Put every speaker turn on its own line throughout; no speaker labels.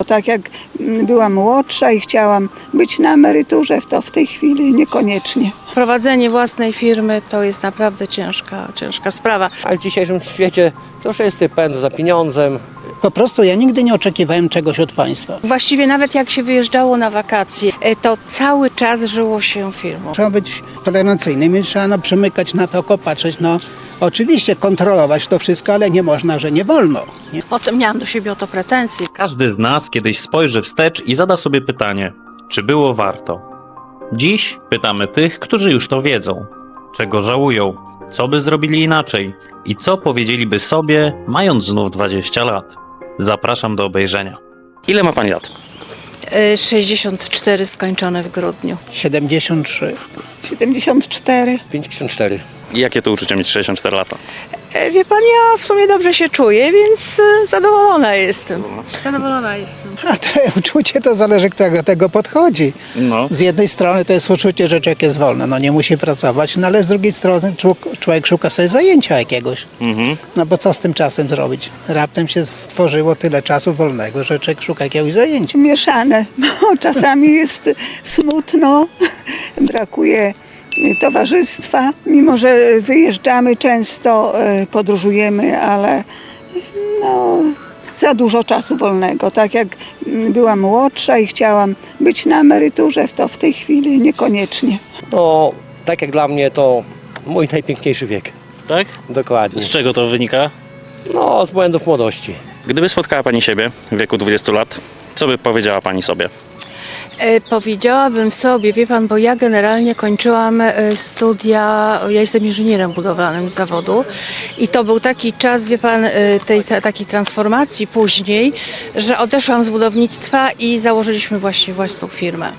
tak jak byłam młodsza i chciałam być na emeryturze, to w tej chwili niekoniecznie.
Prowadzenie własnej firmy to jest naprawdę ciężka sprawa.
Ale w dzisiejszym świecie to wszyscy pędzą za pieniądzem.
Po prostu ja nigdy nie oczekiwałem czegoś od państwa.
Właściwie nawet jak się wyjeżdżało na wakacje, to cały czas żyło się firmą.
Trzeba być tolerancyjnym i trzeba przymykać na to oko, patrzeć, oczywiście kontrolować to wszystko, ale nie można, że nie wolno. Nie?
Potem miałam do siebie o to pretensje.
Każdy z nas kiedyś spojrzy wstecz i zada sobie pytanie, czy było warto. Dziś pytamy tych, którzy już to wiedzą. Czego żałują, co by zrobili inaczej i co powiedzieliby sobie, mając znów 20 lat. Zapraszam do obejrzenia.
Ile ma pani lat?
64 skończone w grudniu.
73.
74.
54.
I jakie to uczucie mieć 64 lata?
Wie pan, ja w sumie dobrze się czuję, więc zadowolona jestem.
A to uczucie to zależy, kto do tego podchodzi.
No.
Z jednej strony to jest uczucie, że człowiek jest wolny, nie musi pracować, ale z drugiej strony człowiek szuka sobie zajęcia jakiegoś. Bo co z tym czasem zrobić? Raptem się stworzyło tyle czasu wolnego, że człowiek szuka jakiegoś zajęcia.
Mieszane, bo czasami jest smutno, brakuje towarzystwa, mimo że wyjeżdżamy często, podróżujemy, ale za dużo czasu wolnego. Tak jak byłam młodsza i chciałam być na emeryturze, to w tej chwili niekoniecznie.
No, tak jak dla mnie to mój najpiękniejszy wiek.
Tak?
Dokładnie.
Z czego to wynika?
No, z błędów młodości.
Gdyby spotkała pani siebie w wieku 20 lat, co by powiedziała pani sobie?
Powiedziałabym sobie, wie pan, bo ja generalnie kończyłam studia, ja jestem inżynierem budowlanym z zawodu i to był taki czas, wie pan, takiej transformacji później, że odeszłam z budownictwa i założyliśmy właśnie własną firmę.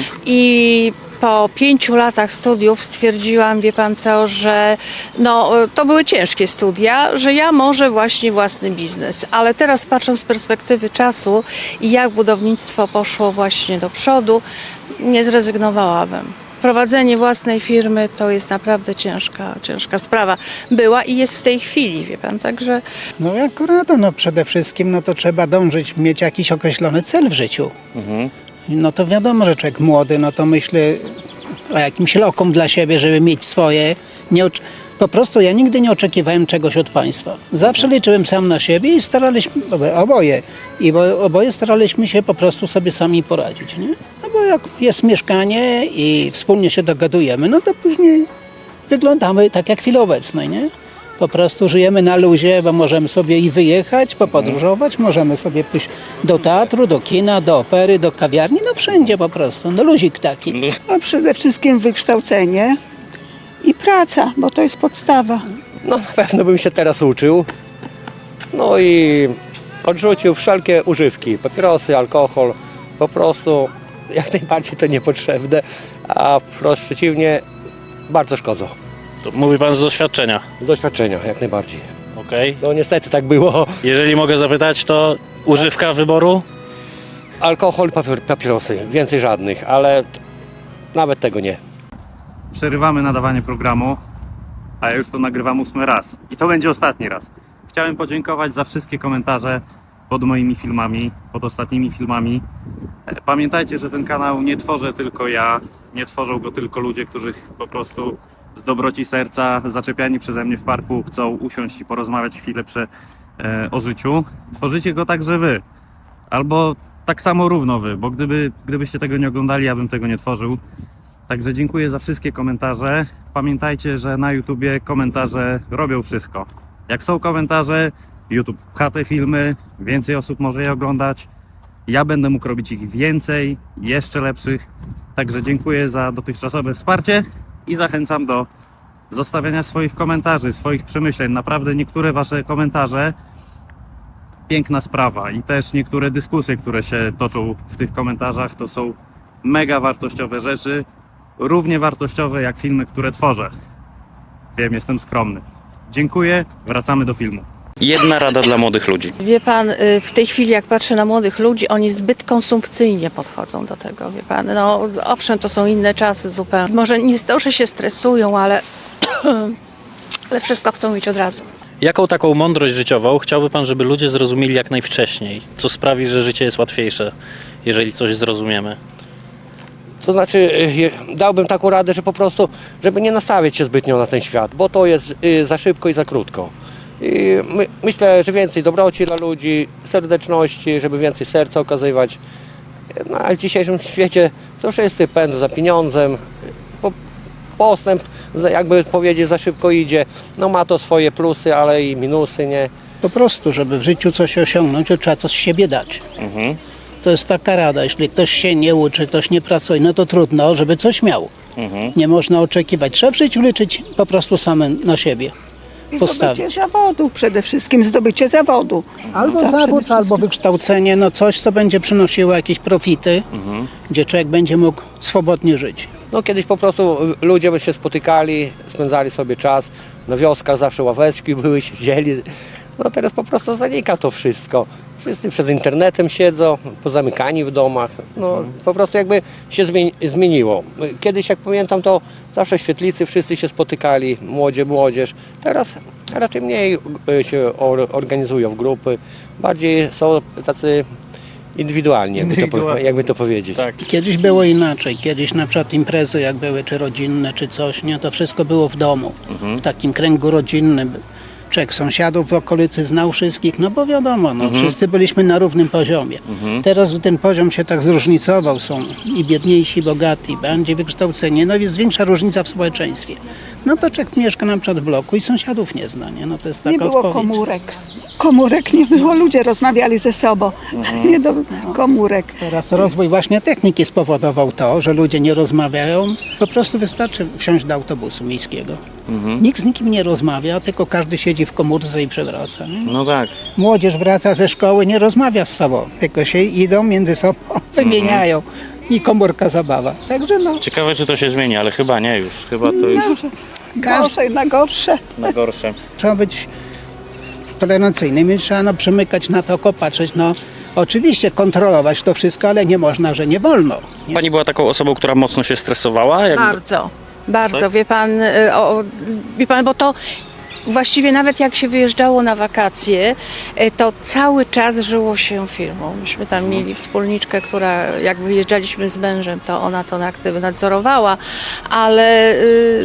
I po 5 latach studiów stwierdziłam, wie pan co, że to były ciężkie studia, że ja może właśnie własny biznes. Ale teraz patrząc z perspektywy czasu i jak budownictwo poszło właśnie do przodu, nie zrezygnowałabym. Prowadzenie własnej firmy to jest naprawdę ciężka sprawa. Była i jest w tej chwili, wie pan, także...
Akurat, przede wszystkim to trzeba dążyć, mieć jakiś określony cel w życiu. To wiadomo, że człowiek młody, to myślę o jakimś lokum dla siebie, żeby mieć swoje. Po prostu ja nigdy nie oczekiwałem czegoś od państwa. Zawsze liczyłem sam na siebie i staraliśmy, oboje staraliśmy się po prostu sobie sami poradzić, nie? Bo jak jest mieszkanie i wspólnie się dogadujemy, to później wyglądamy tak jak w chwili obecnej, nie? Po prostu żyjemy na luzie, bo możemy sobie i wyjechać, popodróżować, możemy sobie pójść do teatru, do kina, do opery, do kawiarni, wszędzie po prostu, luzik taki.
Przede wszystkim wykształcenie i praca, bo to jest podstawa.
No, na pewno bym się teraz uczył. No i odrzucił wszelkie używki, papierosy, alkohol. Po prostu jak najbardziej to niepotrzebne, a wprost przeciwnie, bardzo szkodzą.
To mówi pan z doświadczenia.
Z doświadczenia, jak najbardziej.
Okej.
No niestety tak było.
Jeżeli mogę zapytać, to używka wyboru?
Alkohol, papierosy, więcej żadnych, ale nawet tego nie.
Przerywamy nadawanie programu, a ja już to nagrywam 8 raz. I to będzie ostatni raz. Chciałem podziękować za wszystkie komentarze pod moimi filmami, pod ostatnimi filmami. Pamiętajcie, że ten kanał nie tworzę tylko ja, nie tworzą go tylko ludzie, którzy po prostu z dobroci serca, zaczepiani przeze mnie w parku, chcą usiąść i porozmawiać chwilę o życiu. Tworzycie go także wy. Albo tak samo równo wy, bo gdybyście tego nie oglądali, ja bym tego nie tworzył. Także dziękuję za wszystkie komentarze. Pamiętajcie, że na YouTubie komentarze robią wszystko. Jak są komentarze, YouTube pcha te filmy, więcej osób może je oglądać. Ja będę mógł robić ich więcej, jeszcze lepszych. Także dziękuję za dotychczasowe wsparcie i zachęcam do zostawiania swoich komentarzy, swoich przemyśleń. Naprawdę niektóre wasze komentarze, piękna sprawa i też niektóre dyskusje, które się toczą w tych komentarzach, to są mega wartościowe rzeczy. Równie wartościowe jak filmy, które tworzę. Wiem, jestem skromny. Dziękuję, wracamy do filmu.
Jedna rada dla młodych ludzi.
Wie pan, w tej chwili jak patrzę na młodych ludzi, oni zbyt konsumpcyjnie podchodzą do tego, wie pan. Owszem, to są inne czasy zupełnie. Może nie to, że się stresują, ale wszystko chcą mieć od razu.
Jaką taką mądrość życiową chciałby pan, żeby ludzie zrozumieli jak najwcześniej? Co sprawi, że życie jest łatwiejsze, jeżeli coś zrozumiemy?
To znaczy, dałbym taką radę, że po prostu, żeby nie nastawiać się zbytnio na ten świat, bo to jest za szybko i za krótko. I myślę, że więcej dobroci dla ludzi, serdeczności, żeby więcej serca okazywać. No, a w dzisiejszym świecie to wszyscy pędzą za pieniądzem. Postęp, jakby powiedzieć, za szybko idzie. No ma to swoje plusy, ale i minusy, nie?
Po prostu, żeby w życiu coś osiągnąć, to trzeba coś z siebie dać. To jest taka rada, jeśli ktoś się nie uczy, ktoś nie pracuje, no to trudno, żeby coś miał. Nie można oczekiwać. Trzeba w życiu liczyć po prostu samym na siebie.
I
Postawić.
zdobycie zawodu, przede wszystkim zdobycie zawodu.
Albo
To przede
zawód,
wszystkim.
albo wykształcenie, no coś, co będzie przynosiło jakieś profity, gdzie człowiek będzie mógł swobodnie żyć.
No kiedyś po prostu ludzie by się spotykali, spędzali sobie czas. Na wioskach zawsze ławeczki były, siedzieli. No teraz po prostu zanika to wszystko. Wszyscy przed internetem siedzą, pozamykani w domach. No po prostu jakby się zmieniło. Kiedyś, jak pamiętam, to zawsze w świetlicy wszyscy się spotykali, młodzież. Teraz raczej mniej się organizują w grupy. Bardziej są tacy indywidualni, jakby to powiedzieć.
Tak.
Kiedyś było inaczej. Kiedyś na przykład imprezy jak były, czy rodzinne, czy coś, nie, to wszystko było w domu, w takim kręgu rodzinnym. Człowiek sąsiadów w okolicy znał wszystkich, no bo wiadomo, no, wszyscy byliśmy na równym poziomie. Teraz ten poziom się tak zróżnicował, są i biedniejsi, i bogati, bardziej wykształceni, no jest większa różnica w społeczeństwie. No to człowiek mieszka na przykład w bloku i sąsiadów nie zna, nie? No to jest taka
Nie było
odpowiedź.
komórek. Komórek nie było, ludzie rozmawiali ze sobą. Nie do komórek.
Teraz rozwój właśnie techniki spowodował to, że ludzie nie rozmawiają. Po prostu wystarczy wsiąść do autobusu miejskiego. Nikt z nikim nie rozmawia, tylko każdy siedzi w komórce i przewraca. Nie?
No tak.
Młodzież wraca ze szkoły, nie rozmawia z sobą, tylko się idą między sobą, wymieniają i komórka zabawa. Także no,
Ciekawe, czy to się zmieni, ale chyba nie już. Chyba to już
Gorsze na gorsze.
na gorsze.
trzeba być tolerancyjnym i trzeba no, przymykać na to oko, patrzeć, no oczywiście kontrolować to wszystko, ale nie można, że nie wolno. Nie?
Pani była taką osobą, która mocno się stresowała?
Bardzo, bardzo.
Tak?
Wie pan, bo to właściwie nawet jak się wyjeżdżało na wakacje, to cały czas żyło się firmą. Myśmy tam mieli wspólniczkę, która jak wyjeżdżaliśmy z mężem, to ona to aktywy nadzorowała, ale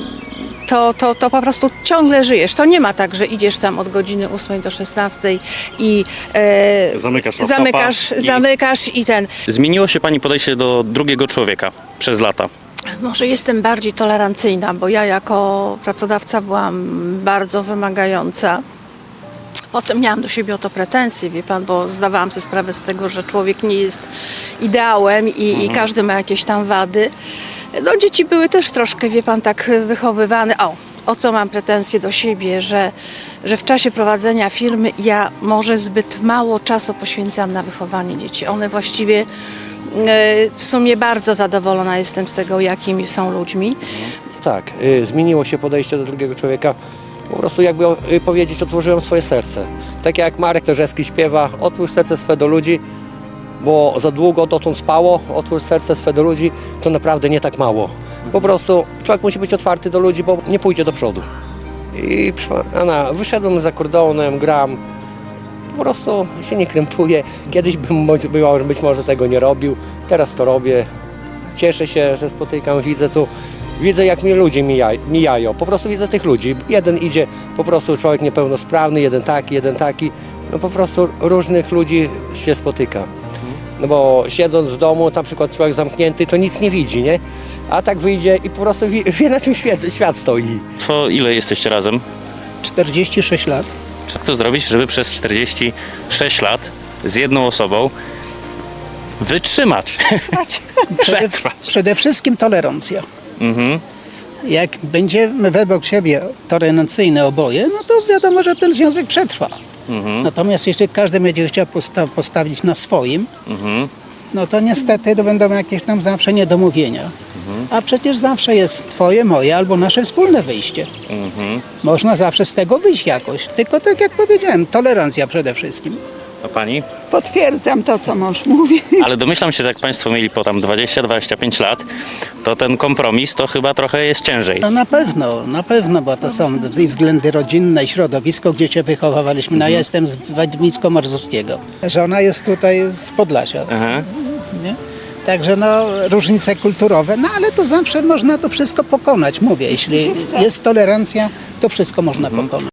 to po prostu ciągle żyjesz. To nie ma tak, że idziesz tam od godziny 8 do 16 i
Zamykasz laptopa
zamykasz i ten.
Zmieniło się pani podejście do drugiego człowieka przez lata?
Może jestem bardziej tolerancyjna, bo ja jako pracodawca byłam bardzo wymagająca. Potem miałam do siebie o to pretensje, wie pan, bo zdawałam sobie sprawę z tego, że człowiek nie jest ideałem i każdy ma jakieś tam wady. No dzieci były też troszkę, wie pan, tak wychowywane. O co mam pretensje do siebie, że w czasie prowadzenia firmy ja może zbyt mało czasu poświęcam na wychowanie dzieci. One właściwie w sumie bardzo zadowolona jestem z tego, jakimi są ludźmi.
Tak, zmieniło się podejście do drugiego człowieka. Po prostu jakby powiedzieć, otworzyłem swoje serce. Tak jak Marek Terzewski śpiewa, otwórz serce swe do ludzi, bo za długo dotąd spało, otwórz serce swe do ludzi, to naprawdę nie tak mało. Po prostu człowiek musi być otwarty do ludzi, bo nie pójdzie do przodu. I wyszedłem za kordonem, gram, po prostu się nie krępuję. Kiedyś bym być może tego nie robił, teraz to robię. Cieszę się, że spotykam, widzę jak mnie ludzie mijają. Po prostu widzę tych ludzi. Jeden idzie, po prostu człowiek niepełnosprawny, jeden taki. No po prostu różnych ludzi się spotyka. No bo siedząc w domu, na przykład człowiek zamknięty, to nic nie widzi, nie? A tak wyjdzie i po prostu wie na czym świat stoi.
To ile jesteście razem?
46 lat.
Co to zrobić, żeby przez 46 lat z jedną osobą wytrzymać? Przetrwać.
Przede wszystkim tolerancja. Jak będziemy według siebie tolerancyjne oboje, no to wiadomo, że ten związek przetrwa. Natomiast jeśli każdy będzie chciał postawić na swoim, no to niestety to będą jakieś tam zawsze niedomówienia. A przecież zawsze jest twoje, moje albo nasze wspólne wyjście. Można zawsze z tego wyjść jakoś. Tylko tak jak powiedziałem, tolerancja przede wszystkim.
A pani?
Potwierdzam to, co mąż mówi.
Ale domyślam się, że jak państwo mieli po tam 20-25 lat, to ten kompromis to chyba trochę jest ciężej.
No na pewno, bo to są i względy rodzinne, i środowisko, gdzie cię wychowywaliśmy. No ja jestem z Wadnicko-Marzowskiego. Żona jest tutaj z Podlasia.
Aha.
Nie? Także no różnice kulturowe, no ale to zawsze można to wszystko pokonać, mówię. Jeśli jest tolerancja, to wszystko można pokonać.